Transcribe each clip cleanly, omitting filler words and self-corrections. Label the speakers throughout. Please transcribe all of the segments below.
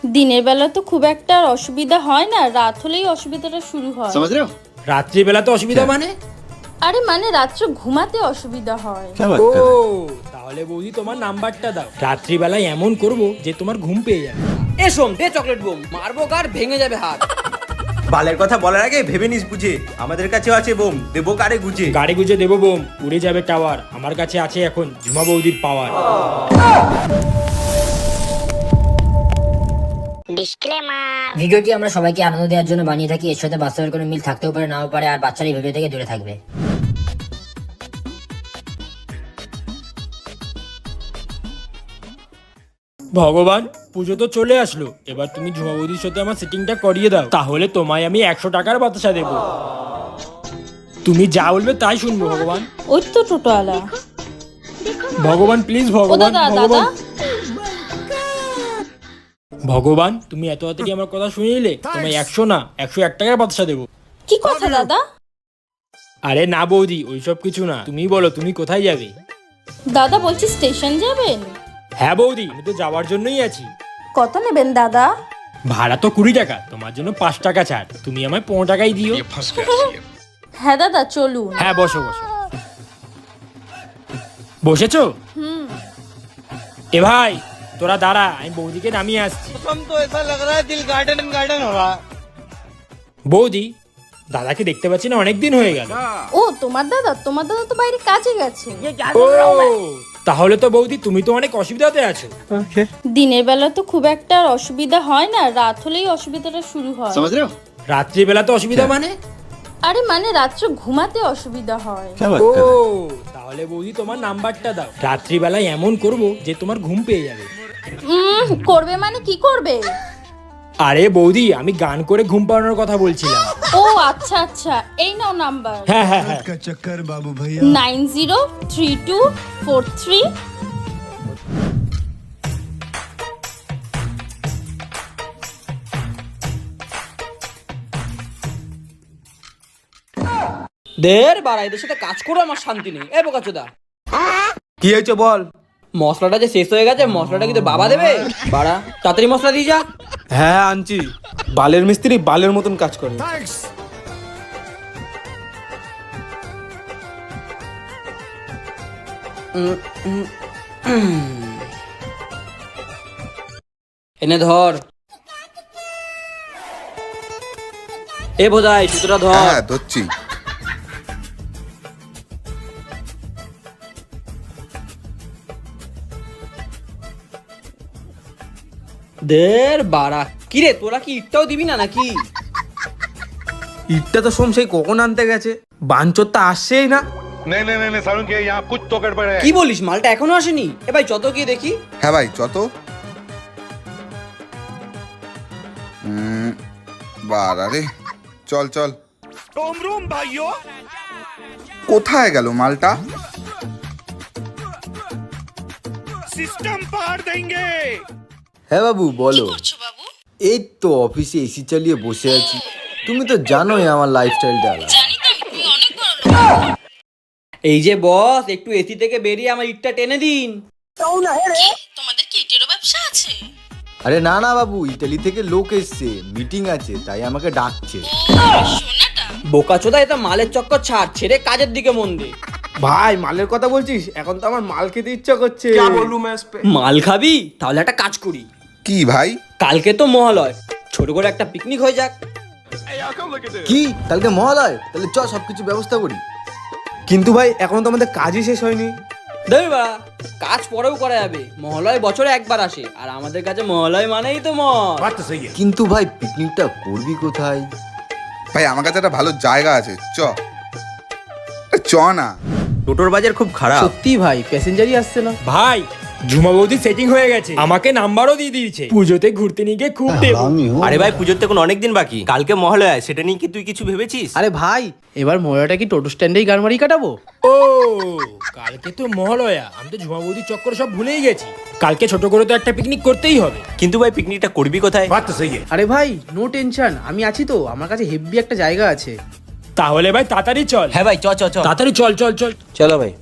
Speaker 1: দিনের বেলা তো খুব একটা আর অসুবিধা হয় না, রাত হলেই অসুবিধাটা শুরু হয়।
Speaker 2: समझ रहे हो?
Speaker 3: রাত্রিবেলা তো অসুবিধা মানে?
Speaker 1: আরে মানে রাত্রে ঘুমাতে অসুবিধা হয়।
Speaker 3: ও তাহলে বৌদি তোমার নাম্বারটা দাও, রাত্রিবেলায় এমন করব যে তোমার ঘুম পেয়ে যাবে।
Speaker 4: এ সোম দে চকলেট বোম, মারবো কার ভেঙে যাবে হাত।
Speaker 5: বালের কথা বলার আগে ভেবে নিস বুঝে, আমাদের কাছেও আছে বোম, দেবো কারে গুজে।
Speaker 3: গাড়ি গুজে দেবো বোম, উড়ে যাবে টাওয়ার, আমার কাছে আছে এখন ঝুমা বৌদির পাওয়ার।
Speaker 6: ভিডিওটি আমরা সবাইকে আনন্দ দেওয়ার জন্য বানিয়ে থাকি। এর সাথে বাস্তবের কোনো মিল থাকতেও পারে, নাও পারে, আর বাচ্চারা এই ভিডিও থেকে দূরে থাকবে।
Speaker 3: ভগবান, পুজো তো চলে আসলো, এবার তুমি ঝুমা বৌদির সাথে আমার সেটিংটা করিয়ে দাও, তাহলে তোমায় আমি 100 টাকার বাতাসা দেবো। তুমি যা বলবে তাই শুনবো ভগবান।
Speaker 1: ওই তো টোটোওয়ালা।
Speaker 3: ভগবান প্লিজ,
Speaker 1: ও
Speaker 3: ভগবান
Speaker 1: দাদা দাদা,
Speaker 3: ভগবান ভগবান, তুমি এত তাড়াতাড়ি আমার কথা শুনে নিলে, তোমায় 100 না 101 টাকার বাতাসা দেবো।
Speaker 1: কি কথা দাদা?
Speaker 3: আরে না বৌদি, ওইসব কিছু না, তুমি বলো তুমি কোথায় যাবে?
Speaker 1: দাদা বলছি স্টেশন যাবেন?
Speaker 3: হ্যাঁ বৌদি, আমি তো যাওয়ার জন্যই আছি।
Speaker 1: কত নেবেন দাদা?
Speaker 3: ভাড়া তো 20 টাকা, তোমার জন্য 5 টাকা ছাড়, তুমি আমায় 15 টাকাই দিও।
Speaker 1: হ্যাঁ দাদা চলুন।
Speaker 3: হ্যাঁ বসো বসো। বসেছো? এ ভাই তোরা দাঁড়া, আমি বৌদিকে নামিয়ে আসছি। বৌদি, দাদাকে দেখতে পাচ্ছি না, অনেকদিন হয়ে গেল।
Speaker 1: ও তোমার দাদা তো বাইরে কাজে গেছে।
Speaker 3: ও তাহলে তো বৌদি তুমি তো অনেক অসুবিধাতে আছো।
Speaker 1: দিনের বেলা তো খুব একটা আর অসুবিধা হয় না, রাত হলেই অসুবিধাটা শুরু হয়।
Speaker 2: समझ रहे हो?
Speaker 3: রাত্রিবেলা তো অসুবিধা মানে?
Speaker 1: আরে মানে রাত্রে ঘুমাতে অসুবিধা হয়।
Speaker 3: ও তাহলে বৌদি তোমার নাম্বারটা দাও, রাত্রিবেলায় এমন করব যে তোমার ঘুম পেয়ে যাবে।
Speaker 1: করবে মানে কি করবে?
Speaker 3: আরে বৌদি, আমি গান করে ঘুম পাড়ানোর কথা বলছিলাম।
Speaker 1: ও আচ্ছা আচ্ছা, এই নাও নাম্বার।
Speaker 3: হ্যাঁ হ্যাঁ হ্যাঁ।
Speaker 1: 903243।
Speaker 4: দের বাড়া, এদের সাথে কাজ করে আমার শান্তি নেই। এ বোকাচোদা,
Speaker 5: কি হয়েছে বল।
Speaker 4: মশলাটা যে শেষ হয়ে গেছে, মশলাটা কি তোর বাবা দেবে? বাড়া তাড়াতাড়ি মশলা দিয়ে যা।
Speaker 5: হ্যাঁ আনছি, বালের মিস্ত্রি বালের মতন কাজ করে।
Speaker 4: এনে ধর। এ বোধাই সুতোটা ধর।
Speaker 7: হ্যাঁ ধরছি।
Speaker 4: দের বাড়া, কিরে তোরা কি ইটটাও দিবি না নাকি?
Speaker 5: ইটটা তো সোম সেই কখন আনতে গেছে, বাঞ্চর তো আসছেই না।
Speaker 8: नहीं नहीं नहीं सारुण के यहाँ कुछ तो गड़बड़ है।
Speaker 4: কি বলিস, মালটা এখনো আসেনি? এ ভাই যত গিয়ে দেখি।
Speaker 7: হ্যাঁ ভাই যত বাড়া রে, চল চল। কোথায় গেল মালটা?
Speaker 9: হ্যাঁ বাবু বলো। এই তো অফিসে এসি চালিয়ে বসে আছি, তুমি তো জানোই আমার লাইফস্টাইলটা আলাদা।
Speaker 4: এই যে বস, একটু এসি থেকে বেরিয়ে আমার ইটটা টেনে দিন।
Speaker 1: তোমাদের কি ইটেরও ব্যবসা আছে?
Speaker 9: আরে না না বাবু, ইটালি থেকে লোক এসছে, মিটিং আছে, তাই আমাকে ডাকছে।
Speaker 4: বোকাচোদা, এটা মালের চক্কর ছাড়, ছেড়ে কাজের দিকে মন দে।
Speaker 5: ভাই মালের কথা বলছিস, এখন তো আমার মাল খেতে ইচ্ছা করছে।
Speaker 4: মাল খাবি? তাহলে একটা কাজ করি,
Speaker 7: কি ভাই?
Speaker 4: কালকে তো মহালয়, ছোট করে একটা পিকনিক হয়ে যাক।
Speaker 9: কি কালকে মহালয়? তাহলে চ সবকিছু ব্যবস্থা করি।
Speaker 5: কিন্তু ভাই এখনো তো আমাদের কাজই শেষ হয়নি।
Speaker 4: দেবে বা, কাজ পরেও করা যাবে, মহালয় বছরে একবার আসে, আর আমাদের কাছে মহালয় মানেই তো মদ।
Speaker 8: बात तो सही है।
Speaker 9: কিন্তু ভাই পিকনিকটা করবি কোথায়?
Speaker 7: ভাই আমার কাছে একটা ভালো জায়গা আছে, চ চ না।
Speaker 5: টোটোর বাজার খুব খারাপ।
Speaker 4: সত্যি ভাই, প্যাসেঞ্জারই আসছে না।
Speaker 3: ভাই ঝুমা বৌদি সেটিং হয়ে গেছে, আমাকে নাম্বারও দিয়ে দিয়েছে, পুজোতে ঘুরতে নিয়ে গিয়ে খুব দেবো।
Speaker 5: আরে ভাই পুজোর তো কোনো অনেকদিন বাকি, কালকে মহালয়া, সেটা নিয়ে কি তুই কিছু ভেবেছিস?
Speaker 4: আরে ভাই, এবার মহালয়টা কি টোটো স্ট্যান্ডেই গান মারি কাটাবো?
Speaker 3: ও কালকে তো মহালয়া, আমি তো ঝুমা বৌদির চক্করে সব ভুলেই গেছি। কালকে ছোট করে তো একটা পিকনিক করতেই হবে।
Speaker 5: কিন্তু ভাই পিকনিকটা করবি কোথায়?
Speaker 8: बात तो सही है।
Speaker 4: আরে ভাই নো টেনশন, আমি আছি তো, আমার কাছে হেভি একটা জায়গা আছে।
Speaker 3: তাহলে ভাই তাড়াতাড়ি চল।
Speaker 5: হ্যাঁ ভাই চ চ চ,
Speaker 3: তাড়াতাড়ি চল চল চল।
Speaker 5: চলো ভাই।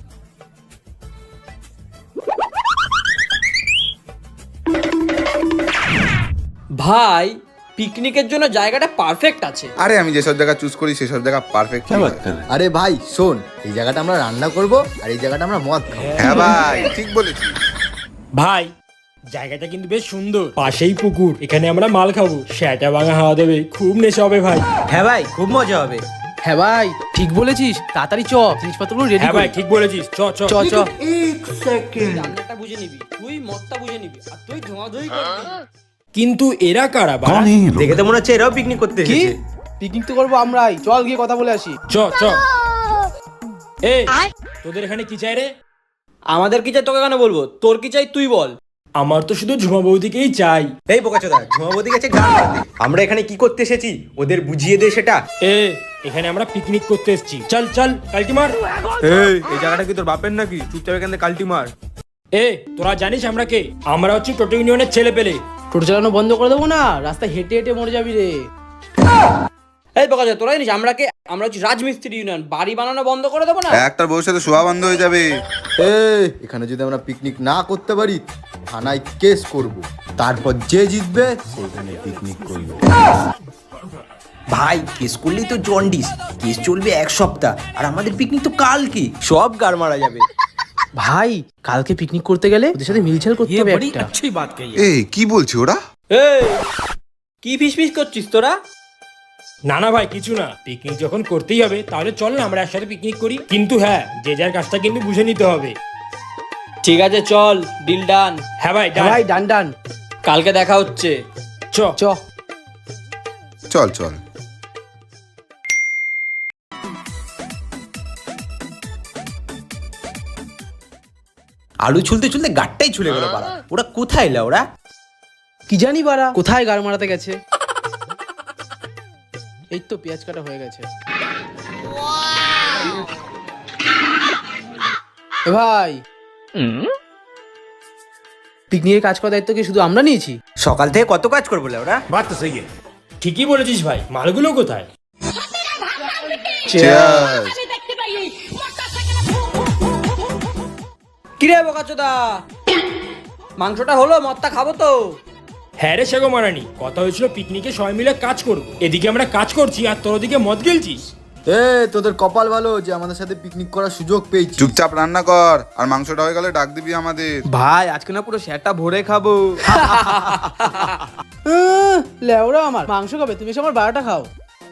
Speaker 4: ভাই পিকনিকের জন্য জায়গাটা পারফেক্ট আছে।
Speaker 7: আরে আমি যেসব জায়গা চুজ করি সেসব জায়গা পারফেক্ট।
Speaker 9: আরে ভাই শোন, এই জায়গাটা আমরা রান্না করব আর এই জায়গাটা আমরা মদ খাবো।
Speaker 7: হ্যাঁ ভাই ঠিক বলেছিস।
Speaker 3: ভাই জায়গাটা কিন্তু বেশ সুন্দর, পাশেই পুকুর, এখানে আমরা মাল খাবো, সেটা ভাঙা হাওয়া দেবে, খুব নেশা হবে ভাই।
Speaker 5: হ্যাঁ ভাই খুব মজা হবে।
Speaker 4: হ্যাঁ ভাই ঠিক বলেছিস, তাড়াতাড়ি চ, জিনিসপত্রগুলো রেডি
Speaker 3: হ্যাঁ ভাই ঠিক বলেছিস, চ চ
Speaker 4: চ চ। রান্নাটা বুঝে নিবি, তুই মদটা বুঝে নিবি, আর তুই ধোঁয়াধুয়ি করবি।
Speaker 3: কিন্তু এরা কারা বাড়া?
Speaker 5: দেখে তো মনে হচ্ছে এরাও পিকনিক করতে
Speaker 4: কি
Speaker 5: এসেছে।
Speaker 4: পিকনিক তো করবো আমরাই, চল গিয়ে কথা বলে আসি।
Speaker 3: চ চ। এই তোদের এখানে কি চাই রে?
Speaker 4: আমাদের কি চাই তোকে কেন বলবো, তোর কি চাই তুই বল।
Speaker 3: আমার তো শুধু ঝুমা বৌদিকেই চাই।
Speaker 5: এই বোকাচোদা, ঝুমাবতী গেছে গান গাইতে। আমরা এখানে কি করতে এসেছি ওদের বুঝিয়ে দে সেটা।
Speaker 3: এখানে আমরা পিকনিক করতে এসেছি, চল চল কালটি মার।
Speaker 5: এই জায়গাটা কি তোর বাপের নাকি? চুপচাপ এখান থেকে কালটি মার।
Speaker 3: তোরা জানিস আমরা কে? আমরা হচ্ছে টোটো ইউনিয়নের ছেলে পেলে।
Speaker 4: টোটো চালানো বন্ধ করে দেবো না, রাস্তায় হেঁটে হেঁটে মরে যাবি রে। এই বকা যায়, তোরা জানিস আমরা কে? আমরা হচ্ছে রাজমিস্ত্রি ইউনিয়ন, বাড়ি বানানো বন্ধ করে দেবো না।
Speaker 7: একটা বউর সাথে শোয়া বন্ধ হয়ে যাবে।
Speaker 9: এখানে যদি আমরা পিকনিক না করতে পারি থানায় কেস করব, তারপর যে জিতবে সেইখানে পিকনিক করবে।
Speaker 5: ভাই কেস করলেই তো জন্ডিস, কেস চলবে 1 সপ্তাহ, আর আমাদের পিকনিক তো কালকে, সব গার মারা যাবে।
Speaker 4: ভাই কালকে পিকনিক করতে গেলে ওদের সাথে মিলছাল করতে হবে একটা।
Speaker 7: এই কি বলছে ওরা?
Speaker 4: এই কি ফিস করছিস তোরা?
Speaker 3: না না ভাই কিছু না, পিকনিক যখন করতেই হবে তাহলে চল না আমরা একসাথে পিকনিক করি, কিন্তু হ্যাঁ যে যার কাজটা কিন্তু বুঝে নিতে হবে।
Speaker 4: ঠিক আছে চল, ডিল ডান।
Speaker 3: হ্যাঁ ভাই
Speaker 4: ভাই ডান ডান, কালকে দেখা হচ্ছে।
Speaker 3: চ
Speaker 4: চ।
Speaker 7: চল চল।
Speaker 5: আলু ছুলতে ছুলতে গাটটাই ছুলে গেল পাড়া। ওরা কোথায় এলা ওরা?
Speaker 4: কি জানি বাড়া কোথায় গাড় মারাতে গেছে। এই তো পেঁয়াজ কাটা হয়ে গেছে। এ ভাই পিকনিকের কাজ করার দায়িত্ব কি শুধু আমরা নিয়েছি?
Speaker 5: সকাল থেকে কত কাজ করবো ওরা।
Speaker 3: ঠিকই বলেছিস ভাই, মালগুলো কোথায়?
Speaker 7: Cheers!
Speaker 4: কিরে বোকাচোদা, মাংসটা হলো, মদটা খাবো তো।
Speaker 3: হ্যাঁ রে সেগো মারানি, কথা হয়েছিল পিকনিকে সবাই মিলে কাজ করব, এদিকে আমরা কাজ করছি আর তোর ওদিকে মদ গেলছিস।
Speaker 9: তোদের কপাল ভালো যে আমাদের সাথে পিকনিক করার সুযোগ পেয়েছি।
Speaker 7: চুপচাপ রান্না কর, আর মাংসটা হয়ে গেলে ডাক দিবি আমাদের।
Speaker 5: ভাই আজকে না পুরো সেটা ভরে খাবো।
Speaker 4: লেওরা আমার মাংস খাবে, তুমি এসে আমার 12টা খাও।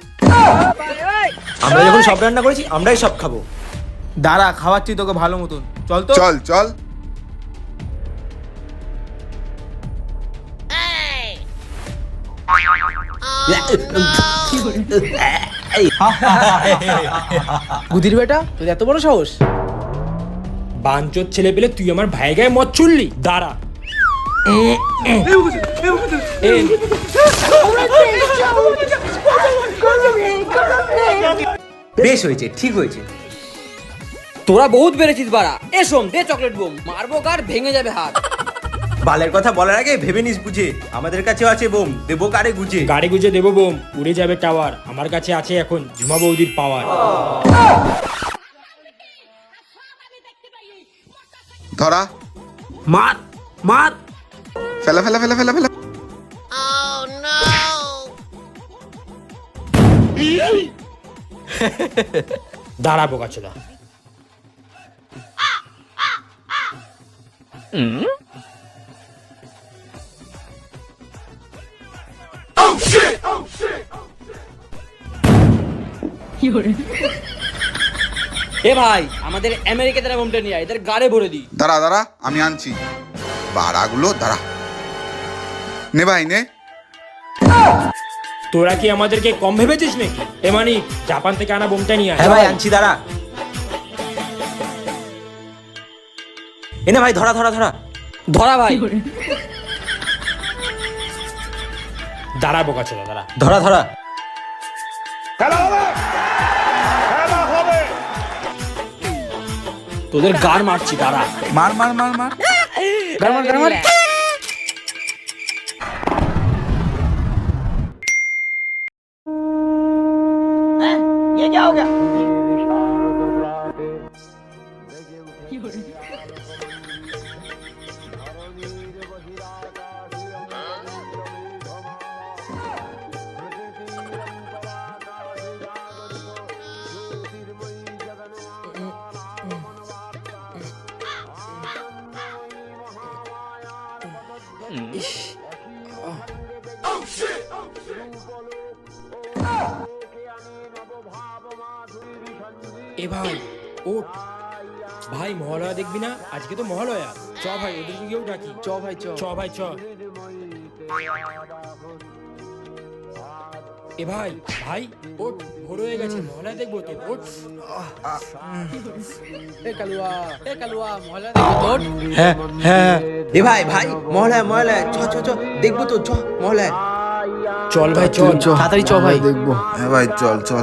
Speaker 5: আমরা যখন সব রান্না করেছি আমরাই সব খাবো। দাঁড়া খাওয়াচ্ছি তোকে ভালো মতন, চল তো।
Speaker 7: চল চল।
Speaker 4: গুদির বেটা, তোর এত বড় সাহস?
Speaker 3: বাঞ্চোর ছেলে পেলে তুই আমার ভাই গায়ে মদ ছুড়লি, দাঁড়া।
Speaker 5: বেশ হয়েছে, ঠিক হয়েছে।
Speaker 4: তোরা বহুত বেড়েছিস বাড়া। এসম দে চকলেট বোম, মারবো কার ভেঙে যাবে হাত।
Speaker 5: বালের কথা বলার আগে ভেবে নিস বুঝে, আমাদের কাছেও আছে বোম, দেবো কারে গুজে।
Speaker 3: গাড়ি গুজে দেবো বোম, উড়ে যাবে টাওয়ার, আমার কাছে আছে এখন ঝুমা বৌদির পাওয়ার।
Speaker 7: ধরা,
Speaker 5: মার মার।
Speaker 7: ফেলা ফেলা ফেলা ফেলা ফেলা।
Speaker 3: দাঁড়া বোকাচোদা।
Speaker 4: এ ভাই আমাদের আমেরিকা তারা বোমটা নিয়ে আয়, এদের গাড়ে ভরে দিই।
Speaker 7: দাঁড়া দাঁড়া আমি আনছি। বাড়াগুলো দাঁড়া। নে ভাই নে।
Speaker 3: তোরা কি আমাদেরকে কম ভেবেছিস নাকি? এ মানে জাপান থেকে আনা বোমটা নিয়ে আয়।
Speaker 5: হ্যাঁ ভাই আনছি, দাঁড়া। এনে ভাই ধরা ধরা ধরা
Speaker 4: ধরা ভাই।
Speaker 3: দাঁড়া বোকাচোদা দাঁড়া।
Speaker 5: ধরা ধরা।
Speaker 4: তোদের গাড় মারছি, দাঁড়া।
Speaker 7: মার মার মার মার।
Speaker 4: গাড় মার গাড় মার।
Speaker 3: এ ভাই ওঠ ভাই, মহালয়া দেখবি না? আজকে তো মহালয়া। চ ভাই, ওদেরকে গিয়েও ডাকি।
Speaker 4: চ ভাই চ।
Speaker 3: চ ভাই চ। এ ভাই, ভাই ওঠ, ভোর হয়ে গেছে, মহালয়া দেখবো তো, ওঠ।
Speaker 4: এ কালুয়া, এ কালুয়া, মহলা দেখো তোর।
Speaker 5: হ্যাঁ হ্যাঁ। এ ভাই ভাই, মহলায় মহলায়, চ চ চ, দেখবো তো, চ মহলায়।
Speaker 3: চল ভাই চল।
Speaker 4: তাড়াতাড়ি চ ভাই।
Speaker 9: দেখবো।
Speaker 7: হ্যাঁ ভাই, চল চল।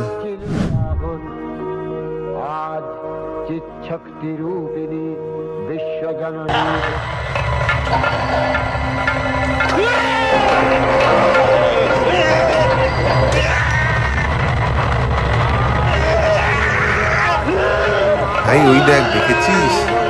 Speaker 7: ভাই ওই দেখ, দেখেছিস?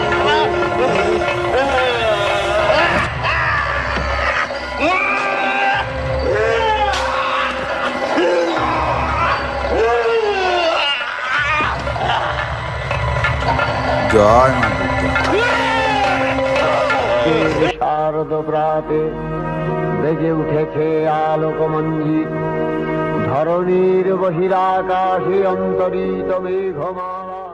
Speaker 7: জয় মা দুর্গা।
Speaker 2: শারদ প্রাতে বেজে উঠেছে আলোকমঞ্জিত, ধরণীর বহিরাকাশে অন্তরিত মেঘমালা।